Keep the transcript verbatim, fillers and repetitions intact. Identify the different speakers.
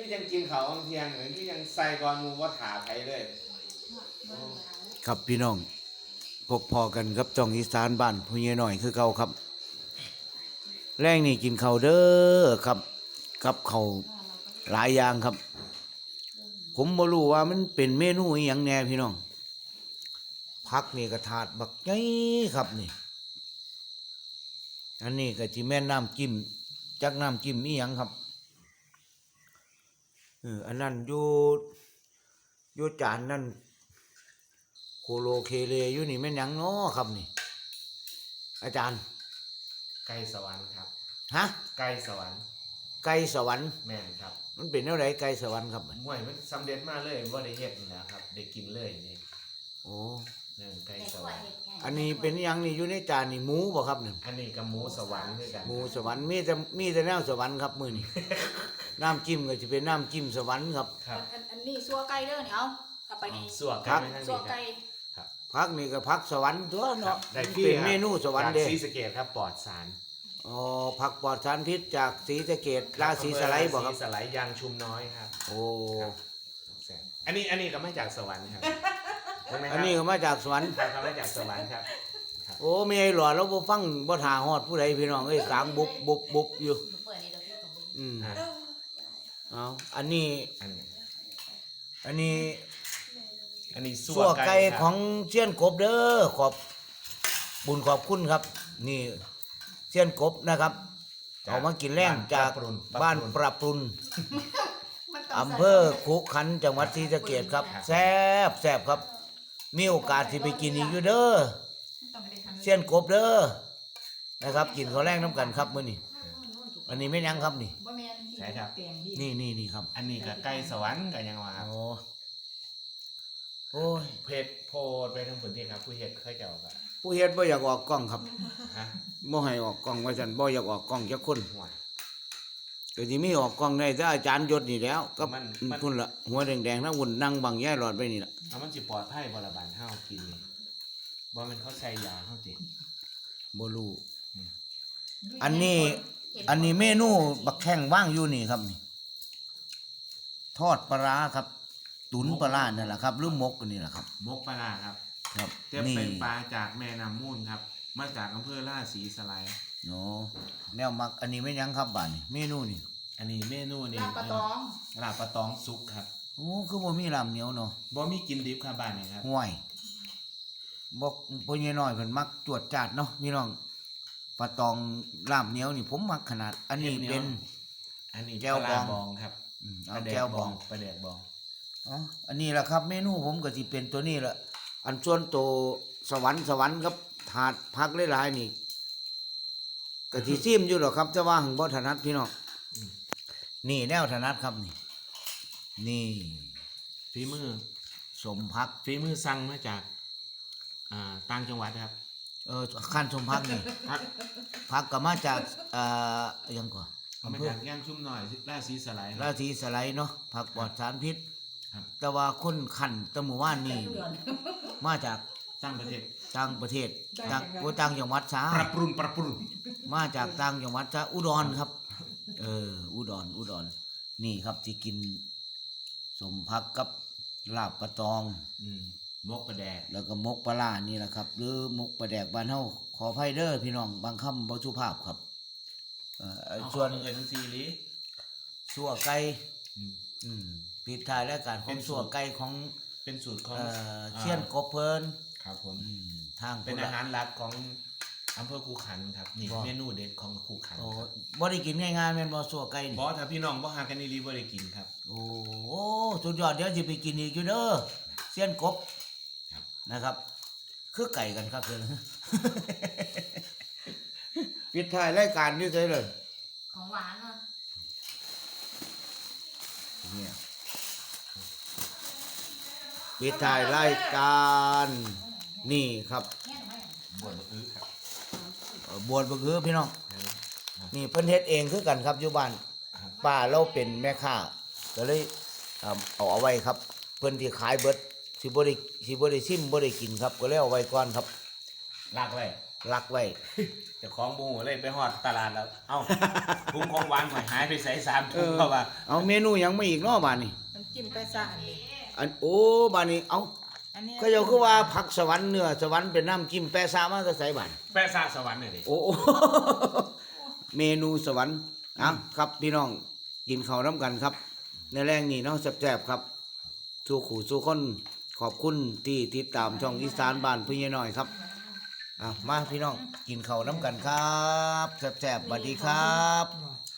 Speaker 1: คือยังกินเขาเที่ยงเหมือนที่ยังใส่ก่อนมูว่าถาไผเลย
Speaker 2: ครับพี่น้องพบพอกันครับจ่องอีสานบ้านผู้ใหญ่หน่อยคือเก่าครับแรงนี่กินข้าวเด้อครับกับข้าวหลายอย่างครับผมบ่รู้ว่ามันเป็นเมนูอหยังแน่พี่น้องผักนี่กระถาดบักใหญ่ครับนี่อันนี้ก็สิแม่นน้ำจิ้มจักน้ำจิ้มอีหยังครับเอออันนั้นอยู่อยู่จานนั่นโคโลเคเลอยู่นี่แม่นหยังน้อครับนี่อาจารย์
Speaker 1: ไก่สวรรค์ครับ
Speaker 2: ฮะ
Speaker 1: ไก่สวรรค์
Speaker 2: ไก่สวรรค์
Speaker 1: แม่นครับ
Speaker 2: มันเป็นเท่าไรไก่สวรรค์ครับ
Speaker 1: มวยมันสำเร็จมาเลยว่าได้เฮ็ดนะครับได้กินเลยนี่
Speaker 2: โอ้
Speaker 1: นั่นไก่สวรรค์
Speaker 2: อันนี้เป็นหยังนี่อยู่ในจานนี่หมูบ่ครับนี่
Speaker 1: อันนี้กับหมูสวรรค์ด้วยกัน
Speaker 2: หมูสวรรค์มีแต่มีแต่แนวสวรรค์ครับมื้อนี้ น้ำจิ้มก็จะเป็นน้ำจิ้มสวรรค์ครับ
Speaker 1: ครับ
Speaker 3: อันอันนี้ซัวไก่เด้อนี่เอาเอาไปนี่
Speaker 1: สัวไก่ไม่ทั้ง
Speaker 3: ซัว
Speaker 1: นี้
Speaker 3: ไก่
Speaker 1: ครับ
Speaker 2: ผักนี่ก็ผักสวรรค์ตัวเนาะ
Speaker 1: ได้
Speaker 2: เป็นเมนูสวรรค์เด้
Speaker 1: จากศรีสะเกษครับปลอดสาร
Speaker 2: อ๋อผักปลอดสารพิษจากศรีสะเกษราศีสไลด์บ่ครับ
Speaker 1: ศรีสไลด์ยางชุมน้อยครับ
Speaker 2: โอ้
Speaker 1: อันนี้อันนี้ก็มาจากสวรรค์ครับ
Speaker 2: อันนี้ก็มาจากสวรรค์
Speaker 1: ครับมาจากสวรรค์ครับ
Speaker 2: โอ้มีไอ้หลอดแล้วบ่ฟังบ่ท่าฮอดผู้ใดพี่น้องเอ้ยกลางบุบบุบบุบอยู่อืมเอาอันนี้อันนี้
Speaker 1: อันนี้
Speaker 2: สัวไก่ของเชียนกบเด้อขอบบุญขอบคุณครับ นี่เชียนกบนะครับเอามากินแรงจากบ้านปรับปรุนอำเภอขุขันธ์จังหวัดศรีสะเกษครับแซ่บแซ่บครับมีโอกาสที่ไปกินอีกอยู่เด้อเชียนกบเด้อนะครับกินข้าวแรงน้ำกันครับมื้อนี้อันนี้ไม่ยังครับนี่
Speaker 1: ใช่ครับ
Speaker 2: นี่นี่นี่ครับ
Speaker 1: อันนี้กับไก่สวรรค์กับยังว่าครับ
Speaker 2: โอ้โอ้ย
Speaker 1: เพจโพดไปทั้งพื้นที่ครับผู้เฮ็ดเคยเจ้าครับ
Speaker 2: ผู้เฮ็ดบ่อยากออกกล้องครับ
Speaker 1: ฮะ
Speaker 2: บ่ให้ออกกล้องว่าซั่นบ่อยากออกกล้องจักคน
Speaker 1: ห่วย
Speaker 2: ก็สิมีออกกล้องได้ถ้าอาจารย์ยศนี่แล้วก็พุ่นละหัวแดงๆทั้งวุ่นนั่งบังแย่หลอดไปนี่ล่ะ
Speaker 1: เอามันสิปลอดภัยบ่ละบานเฮากินนี่บ่แม่นเขาใส่ยาเฮาติ
Speaker 2: บ่รู้อันนี้อันนี้เมนูบักแข้งว่างอยู่นี่ครับนี่ทอดปลาร้าครับตุ๋นปลาร้านั่นแหละครับหรือหมกนี่แหละครับ
Speaker 1: มกปลาร้าครับ
Speaker 2: ครับ
Speaker 1: เทียบเป็นปลาจากแม่น้ำมูลครับมาจากอำเภอราศีสไลด์
Speaker 2: โอ้แนวมักอันนี้ไม่ยังครับบ้านนี่เมนูนี่
Speaker 1: อันนี้เมนูนี่
Speaker 3: ลาบปลาตอง
Speaker 1: ลาบปลาตองสุกครับ
Speaker 2: โอ้คือบ่มีลำเหนียวเนาะ
Speaker 1: บ่มีกินดิบครับบ้านนี่ครับ
Speaker 2: ห่วยบอกพ่อใหญ่น้อยเพิ่นมักจวดจาดเนาะพี่น้องปลาตองลำเหนียวนี่ผมมักขนาดอันนี้เป็น
Speaker 1: อันนี้แก้วบองครับ
Speaker 2: เอาแก้วบอง
Speaker 1: ปลาแดกบอง
Speaker 2: อ๋ออันนี้แหละครับเมนูผมก็สิเป็นตัวนี้แหละอันส่วนโตสวรรค์สวรรค์ครับถาดพักหลายๆนี่ก็สิซิมอยู่หรอกครับจะว่าหังบ่ถนัดพี่น้องนี่แนวถนัดครับนี่นี่
Speaker 1: ฝีมือ
Speaker 2: สมพัก
Speaker 1: ฝีมือสั่งมาจากอ่าต่างจังหวัดครับ
Speaker 2: เออขั้นสมพักนี่พักก็มาจากอ่ายังก่อน
Speaker 1: มาจากย่างชุ่มหน่อยราศีสไลด์
Speaker 2: ราศีสไลด์เนาะผักปลอดสารพิษแต่ว่าคนขันตะหมู่บ้านนี่มาจาก
Speaker 1: ต่างประเทศ
Speaker 2: ต่างประเทศจากต่างจังหวัดซา
Speaker 1: ปรับปรุงปรับปรุง
Speaker 2: มาจากต่างจังหวัดซาอุดรครับเอออุดรอุดรนี่ครับที่กินสมพักกับลาบปลาตอง
Speaker 1: มกปลาแดก
Speaker 2: แล้วก็มกปลาล่านี่แหละครับหรือมกปลาแดกบ้านเฮาขออภัยเด้อพี่น้องบางคำบ่สุภาพครับ
Speaker 1: เอ่อส่วนเงินซีรี
Speaker 2: สัวไก่อืมปิดท้ายรายการของสัวไก่ของ
Speaker 1: เป็นสูตรของ
Speaker 2: เชียนกบเพิ่น
Speaker 1: ครับผม
Speaker 2: ทาง
Speaker 1: เป็นอาหารหลักของอำเภอคูขันครับนี่เมนูเด็ดของคูขันครับ
Speaker 2: บ่ได้กินง่ายๆแม่นบ่สัวไก่
Speaker 1: บ่ถ้าพี่น้องบ่หากันดีๆบ่ได้กินครับ
Speaker 2: โอ้สุดยอดเดี๋ยวสิไปกินอีกอยู่เด้อเชียนกบนะครับคือไก่กันครับเพิ่นปิดท้ายรายการนี่ใช่เลย
Speaker 3: ของหวานเนาะ
Speaker 2: เนี่ยปิดท้ายรายการนี่ครับ
Speaker 1: บวชบะอื้อครับ
Speaker 2: บวชบะอื้อพี่น้องนี่เพิ่นเฮ็ดเองคือกันครับอยู่บ้านป้าเราเป็นแม่ค้าก็เลยเอาเอาไว้ครับเพิ่นที่ขายเบิดสิบ่ได้สิบ่ได้ชิมบ่ได้กินครับก็เลยเอาไว้ก่อนครับ
Speaker 1: ลักไว้
Speaker 2: ลักไว้
Speaker 1: เจ้าของบูเลยไปฮอดตลาดแล้วเอ้า ถุงของหวานข่อยหายไปใส่สามถุงเพราะว่า
Speaker 2: เอาเมนูหยังไม่อีกเนาะบาดนี้
Speaker 3: น้ำจิ้มแปะซ่าอันนี้
Speaker 2: อันโอ้บาดนี้เอา
Speaker 3: อันนี้
Speaker 2: ก็เจ้าคือว่าผักสวรรค์เนื้อสวรรค์เป็นน้ำจิ้มแปะซามาจะใส่บาด
Speaker 1: แปะซาสวรรค์นี่ดิ
Speaker 2: โอ้ เมนูสวรรค์อ่ะครับพี่น้องกินข้าวน้ำกันครับ ในแรงนี้เนาะแซ่บๆครับสู้ขู่สู้คนขอบคุณที่ติดตามช่องอีสานบ้านพี่น้อยครับอ่ะมาพี่น้องกินข้าวน้ำกันครับแซ่บๆสวัสดีครับ
Speaker 3: บอก